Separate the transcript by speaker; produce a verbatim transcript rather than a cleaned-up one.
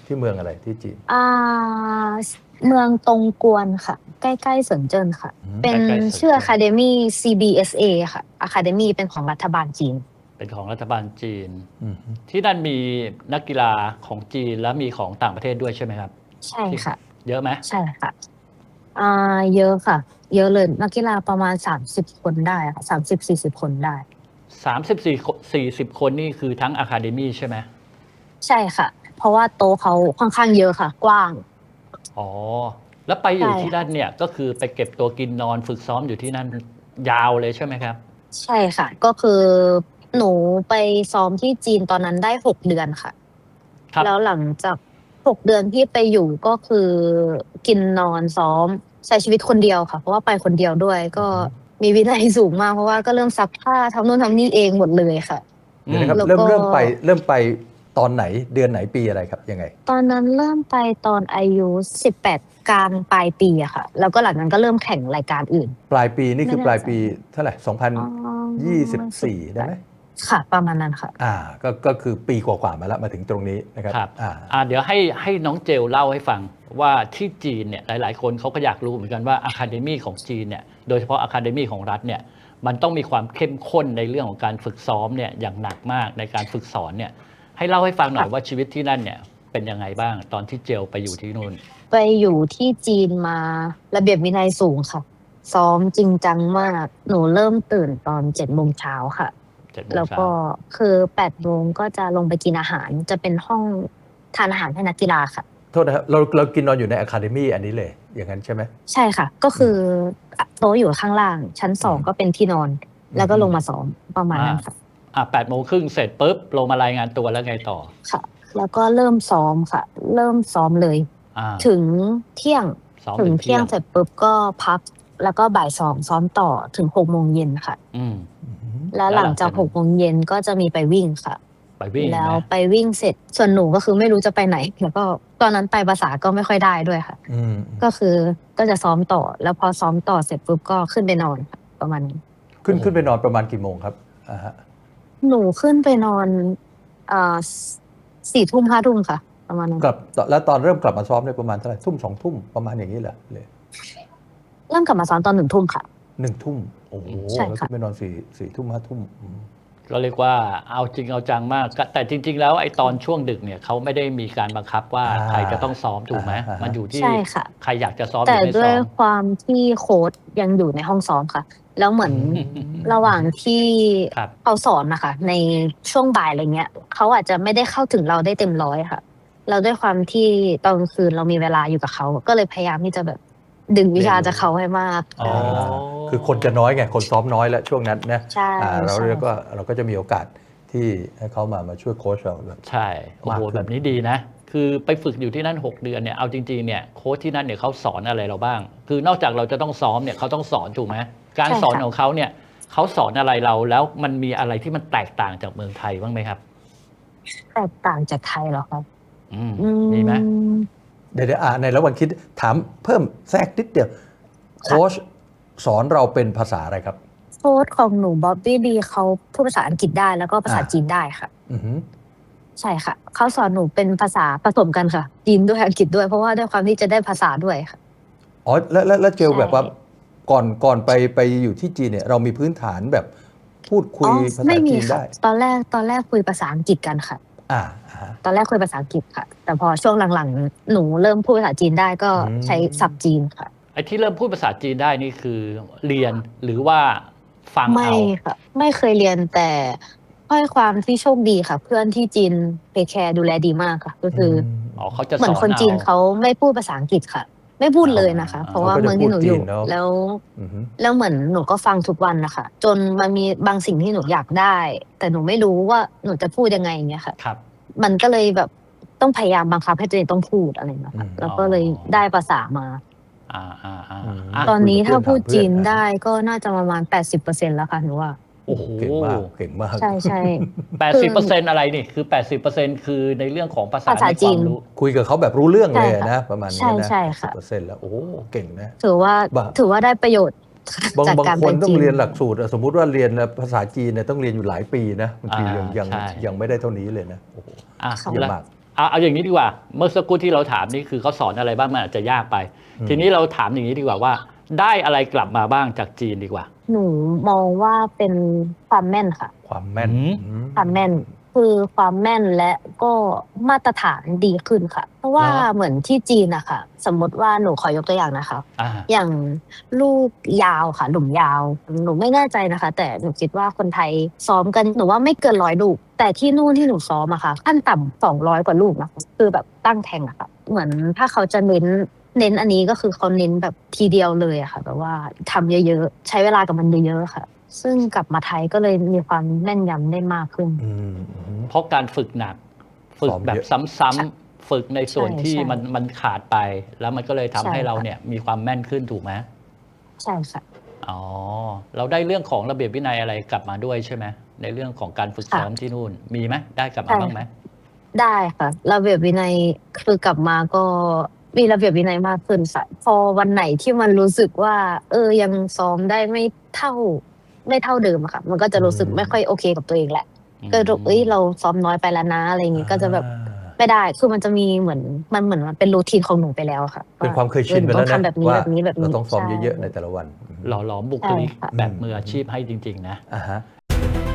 Speaker 1: ที่เมืองอะไรที่จีน
Speaker 2: อ่าเมืองตงกวนค่ะใกล้ๆเซินเจิ้นค่ะ
Speaker 1: อืม
Speaker 2: เป็น
Speaker 3: ใกล้ๆเซิน
Speaker 2: ชื่อ
Speaker 3: เจิ้น
Speaker 2: Academy ซี บี เอส เอ ค่ะ Academy เป็นของรัฐบาลจีน
Speaker 3: เป็นของรัฐบาลจีน
Speaker 1: อืม
Speaker 3: ที่นั่นมีนักกีฬาของจีนและมีของต่างประเทศด้วยใช่ไหมครับ
Speaker 2: ใช่
Speaker 3: ที่
Speaker 2: ค่ะ
Speaker 3: เยอะไหม
Speaker 2: ใช่ค่ะอ่าเยอะค่ะ เยอะเลยนักกีฬาประมาณสามสิบคนได้ค่ะสามสิบสี่สิบคนได้
Speaker 3: สามสิบสี่สี่สิบคนนี่คือทั้งอะคาเดมี่ใช่ไหม
Speaker 2: ใช่ค่ะ เพราะว่าโต๊ะเขาค่อนข้างเยอะค่ะ กว้าง
Speaker 3: อ๋อ แล้วไปอยู่
Speaker 2: ใช่
Speaker 3: ที่
Speaker 2: ค่ะ
Speaker 3: นั่นเนี่ยก็คือไปเก็บตัวกินนอนฝึกซ้อมอยู่ที่นั่นยาวเลยใช่ไหมครับ
Speaker 2: ใช่ค่ะ ก็คือหนูไปซ้อมที่จีนตอนนั้นได้หกเดือนค่ะ
Speaker 3: ครับ
Speaker 2: แล้วหลังจากหกเดือนที่ไปอยู่ก็คือกินนอนซ้อมใช้ชีวิตคนเดียวค่ะ เพราะว่าไปคนเดียวด้วย ก็มีวินัยสูงมากเพราะว่าก็เริ่มซักผ้าทำนู่นทำนี่เองหมดเลยค่ะ
Speaker 1: เดี๋ยวนะครับ
Speaker 2: แล้ว
Speaker 1: เริ่ม
Speaker 2: ก็
Speaker 1: เริ่มไปเริ่มไปตอนไหนเดือนไหนปีอะไรครับยังไง
Speaker 2: ตอนนั้นเริ่มไปตอนอายุสิบแปดกลางปลายปีอะค่ะ แล้วก็หลังนั้นก็เริ่มแข่งรายการอื่น
Speaker 1: ปลายปีนี่คือ
Speaker 2: ไม่แน่
Speaker 1: ปลายปี
Speaker 2: ใจ
Speaker 1: เท่าไหร่สองพันยี่สิบสี่ได้ไหม
Speaker 2: ค่ะ ประมาณนั้นค่ะ
Speaker 1: อ่าก็ก็คือปีกว่าๆมาแล้วมาถึงตรงนี้นะครับ
Speaker 3: ครับ
Speaker 1: อ่า
Speaker 3: อ่าเดี๋ยวให้ให้น้องเจลเล่าให้ฟังว่าที่จีนเนี่ยหลาย ๆ คนเขาก็อยากรู้เหมือนกันว่าอะคาเดมี่ของจีนเนี่ยโดยเฉพาะอะคาเดมี่ของรัฐเนี่ยมันต้องมีความเข้มข้นในเรื่องของการฝึกซ้อมเนี่ยอย่างหนักมากในการฝึกสอนเนี่ยให้เล่าให้ฟังหน่อยว่าชีวิตที่นั่นเนี่ยเป็นยังไงบ้างตอนที่เจลไปอยู่ที่นู่น
Speaker 2: ไปอยู่ที่จีนมาระเบียบวินัยสูงค่ะ ซ้อมจริงจังมาก หนูเริ่มตื่นตอนเจ็ดโมงเช้าค่ะ
Speaker 3: เจ็ดโมง
Speaker 2: แล้ว
Speaker 3: เช้า
Speaker 2: ก็คือแปดโมงก็จะลงไปกินอาหาร จะเป็นห้องทานอาหารให้นักกีฬาค่ะ
Speaker 1: โทษนะครับเราเรากินนอนอยู่ในอะคาเดมี่อันนี้เลยอย่างนั้นใช่ไหม
Speaker 2: ใช่ค่ะ ก็คือโต๊ะอยู่ข้างล่าง ชั้นสอง
Speaker 1: อืม
Speaker 2: ก็เป็นที่นอน แล้วก็ลงมาซ้อมประมาณนั้นค่ะ
Speaker 3: อ่าแปดโมงครึ่งเสร็จปุ๊บลงมารายงานตัวแล้วไงต่อ
Speaker 2: ค่ะ แล้วก็เริ่มซ้อมค่ะ เริ่มซ้อมเลย
Speaker 3: อ่า
Speaker 2: ถึงเที่ยง
Speaker 3: ซ้อม
Speaker 2: ถึ
Speaker 3: ถึ
Speaker 2: ง
Speaker 3: ง
Speaker 2: เที่
Speaker 3: เที่
Speaker 2: ย
Speaker 3: ย
Speaker 2: ง
Speaker 3: ง
Speaker 2: เสร็จปุ๊บก็พัก แล้วก็บ่ายสองซ้อมต่อถึงหกโมงเย็นค่ะ
Speaker 3: อืม
Speaker 2: แล้วหลังจากหกโมงเย็นก็จะมีไปวิ่งค่ะ
Speaker 3: ไปวิ่ง
Speaker 2: แล้ว
Speaker 3: นะ
Speaker 2: ไปวิ่งเสร็จ ส่วนหนูก็คือไม่รู้จะไปไหน แล้วก็ตอนนั้นไปภาษาก็ไม่ค่อยได้ด้วยค่ะ
Speaker 1: อืม
Speaker 2: ก็คือก็จะซ้อมต่อ แล้วพอซ้อมต่อเสร็จปุ๊บก็ขึ้นไปนอนค่ะประมาณนี้
Speaker 1: ขึ้นขึ้นไปนอนประมาณกี่โมงครับอ่าฮะ
Speaker 2: หนูขึ้นไปนอนเอ่อสี่ทุ่มห้าทุ่มค่ะ ประมาณนั้น
Speaker 1: กลับแล้วตอนเริ่มกลับมาซ้อมเนี่ยประมาณเท่าไหร่ทุ่มสองทุ่มประมาณอย่างนี้เหรอเลย
Speaker 2: เริ่มกลับมาซ้อมตอนหนึ่งทุ่มค่ะ
Speaker 1: หนึ่งทุ่มโอ้โห
Speaker 2: ใช่
Speaker 1: แล้ว
Speaker 2: ค่ะ
Speaker 1: ขึ้นไปนอนสี่สี่ทุ่มห้าทุ่มอืม
Speaker 3: ก็เรียกว่าเอาจริงเอาจังมากก็แต่จริง ๆ แล้วไอ้ตอนช่วงดึกเนี่ยเขาไม่ได้มีการบังคับว่า
Speaker 1: อ่า
Speaker 3: ใครจะต้องซ้อมถูกไหม
Speaker 1: อ่าฮะ
Speaker 3: มันอยู่ที่
Speaker 2: ใช่ค่ะ
Speaker 3: ใครอยากจะซ้อมห
Speaker 2: แต่
Speaker 3: รือไม่
Speaker 2: ด้ว
Speaker 3: ซ้
Speaker 2: ย
Speaker 3: อม
Speaker 2: ความที่โค้ชยังอยู่ในห้องซ้อมค่ะ แล้วเหมือน
Speaker 3: อืม
Speaker 2: ระหว่างที่
Speaker 3: ครับ
Speaker 2: เขาสอนนะคะในช่วงบ่ายอะไรเงี้ยเขาอาจจะไม่ได้เข้าถึงเราได้เต็มร้อยค่ะ เราด้วยความที่ตอนกลางคืนเรามีเวลาอยู่กับเขา ก็เลยพยายามที่จะแบบดึงวิชาจากเขาให้มาก
Speaker 3: อ๋อ
Speaker 1: คือคนจะน้อยไงคนซ้อมน้อยแล้วช่วงนั้นนะ
Speaker 2: ใช่
Speaker 1: อ่าเรา
Speaker 2: ใช่
Speaker 1: เรียกว่าเราก็จะมีโอกาสที่ให้เขามามาช่วยโค้ชเราแบบ
Speaker 3: ใช่โอ้โห
Speaker 1: มากขึ้น
Speaker 3: แบบนี้ดีนะ คือไปฝึกอยู่ที่นั่นหกเดือนเนี่ยเอาจริงๆเนี่ยโค้ชที่นั่นเนี่ยเขาสอนอะไรเราบ้าง คือนอกจากเราจะต้องซ้อมเนี่ยเขาต้องสอนถูกไหมการ
Speaker 2: ใช่ค่ะ
Speaker 3: สอนของเขาเนี่ยเขาสอนอะไรเราแล้วมันมีอะไรที่มันแตกต่างจากเมืองไทยบ้างไหมครับ
Speaker 2: แตกต่างจากไทยเหรอครับ
Speaker 3: อืม
Speaker 2: อื
Speaker 3: มีไหม
Speaker 2: ม
Speaker 1: เดี๋ยวๆอ่าในระหว่างคิดถามเพิ่มแทรกนิดเดียวโค้ชสอนเราเป็นภาษาอะไรครับ
Speaker 2: โค้ชของหนูบ๊อบบี้ดีเขาพูดภาษาอังกฤษได้แล้วก็ภาษา
Speaker 1: อ่า
Speaker 2: จีนได้ค่ะ
Speaker 1: อือหือ
Speaker 2: ใช่ค่ะ เขาสอนหนูเป็นภาษาผสมกันค่ะ จีนด้วยอังกฤษด้วยเพราะว่าด้วยความที่จะได้ภาษาด้วยค่ะ
Speaker 1: อ๋อแล้วแล้วแล้วเจล
Speaker 2: ใช่
Speaker 1: แบบว่าก่อนก่อนไปไปอยู่ที่จีนเนี่ยเรามีพื้นฐานแบบพูดคุย
Speaker 2: อ๋อ
Speaker 1: ภาษา
Speaker 2: ไม่มี
Speaker 1: จีน
Speaker 2: ค่ะ
Speaker 1: ได้
Speaker 2: ตอนแรกตอนแรกคุยภาษาอังกฤษกันค่ะ
Speaker 1: อ่าอ่าฮะ
Speaker 2: ตอนแรกคุยภาษาอังกฤษค่ะ แต่พอช่วงหลังๆ หนูเริ่มพูดภาษาจีนได้ก็
Speaker 1: อืม
Speaker 2: ใช้ศัพท์จีนค่ะ
Speaker 3: ไอ้ที่เริ่มพูดภาษาจีนได้นี่คือเรียนหรือว่าฟัง
Speaker 2: ไม่
Speaker 3: เอา
Speaker 2: ค่ะ ไม่เคยเรียนแต่ด้วยความที่โชคดีค่ะ เพื่อนที่จีนเทคแคร์ดูแลดีมากค่ะ ก็คืออ
Speaker 1: ม
Speaker 3: อ๋อเขาจะ
Speaker 2: เหมื
Speaker 3: ส
Speaker 2: อ
Speaker 3: อน น
Speaker 2: คนจีน
Speaker 3: เอา
Speaker 2: เขาไม่พูดภาษาอังกฤษค่ะ ไม่พูดเลยนะคะ
Speaker 3: อ่า
Speaker 2: เพราะว่า
Speaker 1: เขาก็จะ
Speaker 2: เมืองที่หนูอยู่
Speaker 1: พูดจีนเนอะ
Speaker 2: แล้ว
Speaker 1: อือหือ
Speaker 2: แล้วเหมือนหนูก็ฟังทุกวันนะคะจนมันมีบางสิ่งที่หนูอยากได้ แต่หนูไม่รู้ว่าหนูจะพูดยังไงอย่างเงี้ยค่ะ
Speaker 3: ครับ
Speaker 2: มันก็เลยแบบต้องพยายามบังคับให้ตัวเองต้องพูดอะไรอย่างเงี้ยค่ะ
Speaker 1: อืม
Speaker 2: แล้วก็เลยได้ภาษามา
Speaker 3: อ่าอ่าอ่า
Speaker 1: อืม
Speaker 3: อ่ะ
Speaker 2: ตอนนี้
Speaker 1: คุยกับ
Speaker 2: ถ้าพูด
Speaker 1: เพื่อน
Speaker 2: จีน
Speaker 1: ถามเพื่อน
Speaker 2: ได้ก็น่าจะประมาณ แปดสิบเปอร์เซ็นต์ แล้วค่ะหนูว่า
Speaker 3: โอ้โห
Speaker 1: เก่งมากเก่งมาก
Speaker 2: ใช่ใช่
Speaker 3: แปดสิบเปอร์เซ็นต์อะไรนี่คือแปดสิบเปอร์เซ็นต์คือในเรื่องของภาษา
Speaker 2: ภาษา
Speaker 3: ในค
Speaker 2: จี
Speaker 3: วาน มรู้
Speaker 1: คุยกับเขาแบบรู้เรื่องเลย
Speaker 2: ใช่ค่ะ
Speaker 1: นะประมาณนี้
Speaker 2: ใช่
Speaker 1: นะ
Speaker 2: ใช่ค่ะ
Speaker 1: สิบเปอร์เซ็นต์แล้วโอ้โหเก่งนะ
Speaker 2: ถือว่า
Speaker 1: บ้า
Speaker 2: ถือว่าได้ประโยชน์
Speaker 1: บาง
Speaker 2: จาก
Speaker 1: บาง
Speaker 2: การ
Speaker 1: ค
Speaker 2: ไป
Speaker 1: นต้อ
Speaker 2: จี
Speaker 1: ง
Speaker 2: น
Speaker 1: เรียนหลักสูตร สมมุติว่าเรียนภาษาจีนเนี่ยต้องเรียนอยู่หลายปีนะบางที
Speaker 3: อ่า
Speaker 1: ยังยัง
Speaker 3: ใช่
Speaker 1: ยังไม่ได้เท่านี้เลยนะโอ้โห
Speaker 3: อ่ะ
Speaker 2: ค่ะ
Speaker 1: เย
Speaker 3: แล้
Speaker 1: อะ
Speaker 3: ว
Speaker 1: มาก
Speaker 3: เอาเอาอย่างนี้ดีกว่า เมื่อสักครู่ที่เราถามนี่คือเขาสอนอะไรบ้างมันอาจจะยากไป ทีนี้เราถามอย่างนี้ดีกว่าว่า ได้อะไรกลับมาบ้างจากจีนดีกว่า
Speaker 2: หนูมองว่าเป็นความแม่นค่ะ
Speaker 1: ความแม่น
Speaker 3: อืม
Speaker 1: อืม
Speaker 2: ความแม่นคือความแม่นและก็มาตรฐานดีขึ้นค่ะ เพราะว่า
Speaker 3: เหรอ
Speaker 2: เหมือนที่จีนอะค่ะ สมมติว่าหนูขอยกตัวอย่างนะคะ
Speaker 3: อ่า
Speaker 2: อย่างลูกยาวค่ะหลุมยาว หนูไม่แน่ใจนะคะ แต่หนูคิดว่าคนไทยซ้อมกันหนูว่าไม่เกินร้อยลูก แต่ที่นู่นที่หนูซ้อมอะค่ะขั้นต่ำสองร้อยกว่าลูกนะคะคือแบบตั้งแทงอะค่ะ เหมือนถ้าเขาจะเน้นเน้นอันนี้ก็คือเขาเน้นแบบทีเดียวเลยอะค่ะแบบว่าทำเยอะๆใช้เวลากับมันเยอะๆค่ะ ซึ่งกลับมาไทยก็เลยมีความแม่นยำได้มากขึ้น
Speaker 1: อืมอืม
Speaker 3: เพราะการฝึกหนัก ฝึก
Speaker 1: ซ้อม
Speaker 3: แบบ
Speaker 1: เยอะ
Speaker 3: ซ้ำๆฝึกในส่วน
Speaker 2: ใช่
Speaker 3: ที่
Speaker 2: ใช่
Speaker 3: มันมันขาดไป แล้วมันก็เลยทำ
Speaker 2: ใช่
Speaker 3: ให้เรา
Speaker 2: ค่ะ
Speaker 3: เนี่ยมีความแม่นขึ้นถูกไหม
Speaker 2: ใช่ค่ะ
Speaker 3: อ๋อ เราได้เรื่องของระเบียบวินัยอะไรกลับมาด้วยใช่ไหมในเรื่องของการฝึกซ้อมที่นู่นมีไหมได้กลับมา
Speaker 2: ใช่
Speaker 3: บ้างไหม
Speaker 2: ได้ค่ะระเบียบวินัยคือกลับมาก็มีระเบียบวินัยมากขึ้นค่ะพอวันไหนที่มันรู้สึกว่า เออยังซ้อมได้ไม่เท่า ไม่เท่าเดิมอะค่ะ มันก็จะรู้สึก
Speaker 1: อืม
Speaker 2: ไม่ค่อยโอเคกับตัวเองแหละ
Speaker 3: อืม
Speaker 2: ก็รู้เอ้ยเราซ้อมน้อยไปแล้วนะอะไรอย่างงี้ก็จะแบบ
Speaker 1: อ่า
Speaker 2: ไม่ได้คือมันจะมีเหมือนมันเหมือนมันเป็นรูทีนของหนูไปแล้วอะค่ะ
Speaker 1: เป็นความเคยชินไป
Speaker 2: ออห
Speaker 1: แล้ว
Speaker 2: ต้อ
Speaker 1: นะ
Speaker 2: งทำแบบนี้
Speaker 1: ว่า
Speaker 2: แบบนี้แบบนี้
Speaker 1: เราต้องซ้อม
Speaker 2: ใช่
Speaker 1: เยอะๆในแต่ละวัน
Speaker 3: หล่อหลอมบุคลิก
Speaker 2: ใช่ค่ะ
Speaker 3: แบบมืออาชีพให้จริง ๆ นะ
Speaker 1: อ่าฮะ